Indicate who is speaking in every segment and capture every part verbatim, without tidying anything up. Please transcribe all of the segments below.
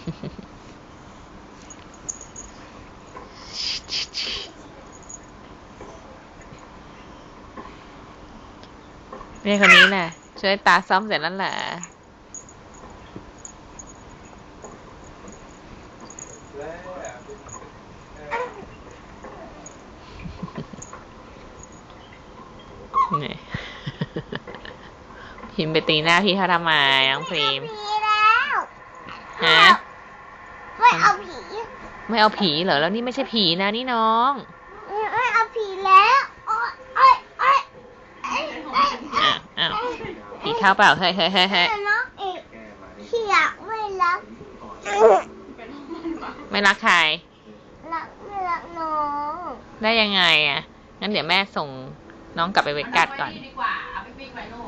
Speaker 1: นี่คนนี้แหละช่วยตาซ่อมเสร็จแล้วแหละนี่พิมพ์ไปตีหน้าพี่เขาทำไมน้องพิมพ์ฮะ
Speaker 2: ไม่เอาผี
Speaker 1: ไม่เอาผีเหรอแล้วนี่ไม่ใช่ผีนะนี่น้อง
Speaker 2: ไม่เอาผีแล้วโอ๊ยโอ๊ยโอ๊ย
Speaker 1: อ้าวอ้าวผีเข้าเปล่าเฮ้ยเฮ้ยเฮ้ยเฮ้ย
Speaker 2: น้องเอกพี่อยากไม่รัก
Speaker 1: ไม่รักใคร
Speaker 2: รักไม่รักน้อง
Speaker 1: ได้ยังไงอ่ะงั้นเดี๋ยวแม่ส่งน้องกลับไปเวกัสก่อน
Speaker 2: เอาพี่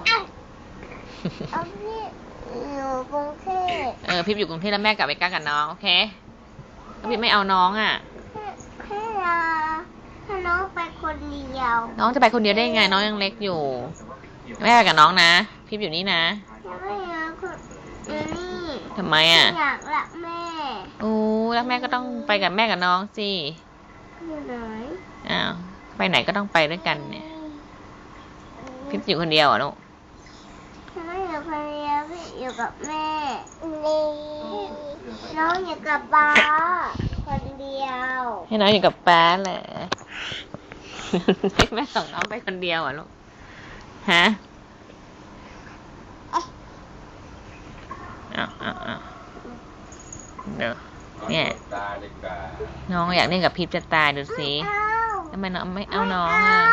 Speaker 2: อยู่กรุงเทพ
Speaker 1: เออพี่อยู่กรุงเทพแล้วแม่กลับเวกัสกับน้องโอเคแล้วพี่ไม่เอาน้องอ่ะ
Speaker 2: ให้เราให้น้องไปคนเดียว
Speaker 1: น้องจะไปคนเดียวได้ยังไงน้องยังเล็กอยู่แม่ไปกับน้องนะพี่อยู่นี่นะ
Speaker 2: ไม่อยากคนนี่
Speaker 1: ทำไมอ่ะ
Speaker 2: อยากรักแม่
Speaker 1: โอ้รักแม่ก็ต้องไปกับแม่กับน้องสิ
Speaker 2: อยู่ไหน
Speaker 1: อ้าวไปไหนก็ต้องไปด้วยกันเนี่ยพี่อยู่คนเดียวอ่ะลูก
Speaker 2: ไม่อยู่คนเดียวพี่อยู่กับแม่นี่น้องอยู่กับป้าคนเดียว
Speaker 1: ให้น้องอยู่กับป้าแหละให้แม่ส่งน้องไปคนเดียวอ่ะลูกฮะอ้าวอ้าวอ้าวเดี๋ยวเนี่ยน้องอยากเล่นกับพิพจะตายดูสิทำไมน้องไม่เอาน้องอ่ะ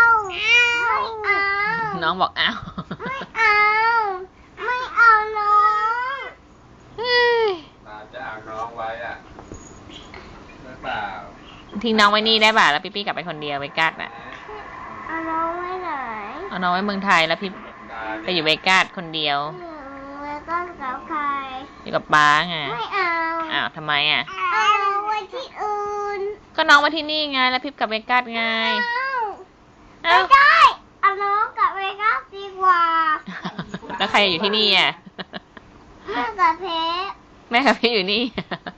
Speaker 1: น้องบอกอ้าว
Speaker 2: ไม่เอาไม่เอาน้อง
Speaker 3: ตาจะเอาน้องไว้อ่ะไม่เปล่า
Speaker 1: ทิ้งน้องไว้นี่ได้ป่ะแล้วพี่ปี้กลับไปคนเดียวเวกัสอ่ะ
Speaker 2: เอาน้องไว้ไหน
Speaker 1: เอาน้องไว้เมืองไทยแล้วพี่ไปอยู่เวกัสคนเดียว
Speaker 2: เวกัสกับใคร
Speaker 1: อยู่กับป้าไง
Speaker 2: ไม่เอา
Speaker 1: อ้าวทำไมอ่ะ
Speaker 2: เอาไว้ที่อื่น
Speaker 1: ก็น้องมาที่นี่ไงแล้วพี่กลับเวกัสไง
Speaker 2: ไม่ได้เอาน้องกับเวกัสดีกว่า
Speaker 1: แล้วใครอยู่ที่นี่อ่ะ
Speaker 2: แม่กับเพชร
Speaker 1: แม่กับพี่อยู่นี่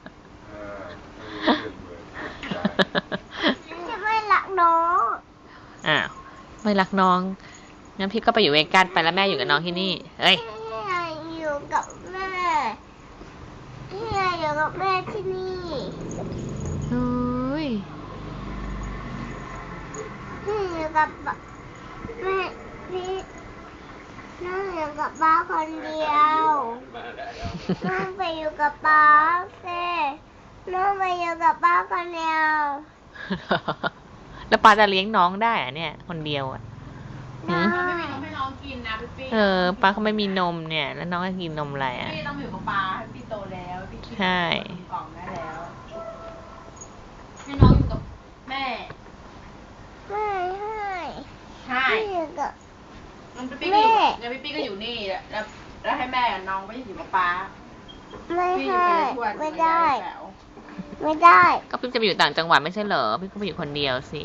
Speaker 2: จะไม่รักน้อง
Speaker 1: อ้าวไม่รักน้องงั้นพี่ก็ไปอยู่เวกัสไปแล้วแม่อยู่กับน้องที่นี่เฮ้ย
Speaker 2: พี่อยู่กับแม่พี่อยู่กับแม่ที่นี่
Speaker 1: เฮ้ย
Speaker 2: พี่อยู่กับแม่พี่น้องอยู่กับป้าคนเดียวน้องไปอยู่กับป้าเซ่น้องไปอยู่กับป้าคนเดียว
Speaker 1: แล้วป้าจะเลี้ยงน้องได้อะเนี่ยคนเดียวอ่ะ
Speaker 2: น้อง
Speaker 4: ไม่น้องกินนะพี่ปี้
Speaker 1: เออป้าเขาไม่มีนมเนี่ยแล้วน้องจะกินนมอะไรอ่ะ
Speaker 4: พี่ต้องอยู่กับป้าพี่โตแล้วพี่กินกล่องได้แล้วให้น้องอยู่กับแม่
Speaker 2: ไม่ให้
Speaker 4: ใช่
Speaker 2: อยู่กับ
Speaker 4: งั้นพี่ปี้ก็อยู่งั้นพี่ปี้ก็อยู่นี่แล้วแล้วให้แม่น้องไม่อยู่กับป้า
Speaker 2: ไม่ให้ไม่ได้ไม่ได้
Speaker 1: ก็พี่จะไปอยู่ต่างจังหวัดไม่ใช่เหรอพี่ก็ไปอยู่คนเดียวสิ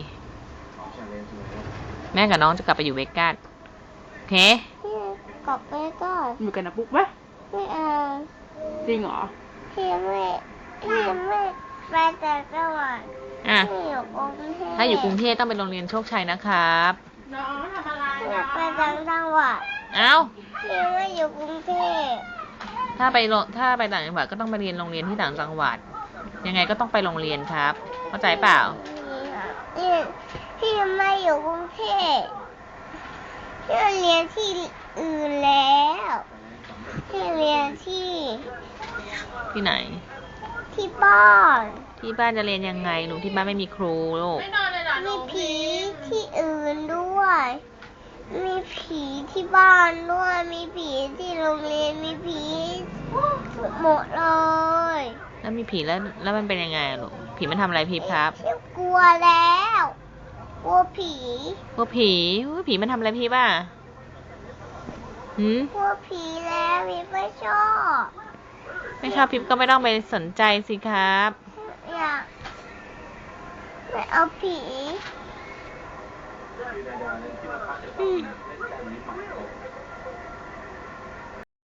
Speaker 1: แม่กับน้องจะกลับไปอยู่เวกัสโอเค
Speaker 2: พี่กลับเวกัส
Speaker 4: อยู่กันนะปุ๊กไหม
Speaker 2: ไม่เอา
Speaker 4: จริงเหรอ
Speaker 2: พี่ไม่พี่ไม่ไปแต่จังหวัดพี่อยู่กรุงเทพ
Speaker 1: ถ้าอยู่กรุงเทพต้องไปโรงเรียนโชคชัยนะครับ
Speaker 4: น้องทำอะไรนะ
Speaker 2: ไปต่างจังหวัด
Speaker 1: เอ้า
Speaker 2: พี่ไม่อยู่กรุงเทพ
Speaker 1: ถ้าไปถ้าไปต่างจังหวัดก็ต้องไปเรียนโรงเรียนที่ต่างจังหวัดยังไงก็ต้องไปโรงเรียนครับเข้าใจเปล่า
Speaker 2: พี่พี่ไม่อยู่กรุงเทพพี่เรียนที่อื่นแล้วพี่เรียนที่
Speaker 1: ที่ไหน
Speaker 2: ที่บ้าน
Speaker 1: ที่บ้านจะเรียนยังไงหนูที่บ้านไม่มีครูลูก
Speaker 2: มีผีที่อื่นด้วยมีผีที่บ้านด้วยมีผีที่โรงเรียนมีผีหมดเลย
Speaker 1: แล้วมีผีแล้วแล้วมันเป็นยังไงลูกผีมันทำอะไรพี่ครับ
Speaker 2: กลัวแล้วกลัวผี
Speaker 1: กลัวผีผีมันทำอะไรพี่บ้าหืม
Speaker 2: กลัวผีแล้วพี่ไม่ชอบ
Speaker 1: ไม่ชอบพี่ก็ไม่ต้องไปสนใจสิครับ
Speaker 2: อยากไม่เอาผี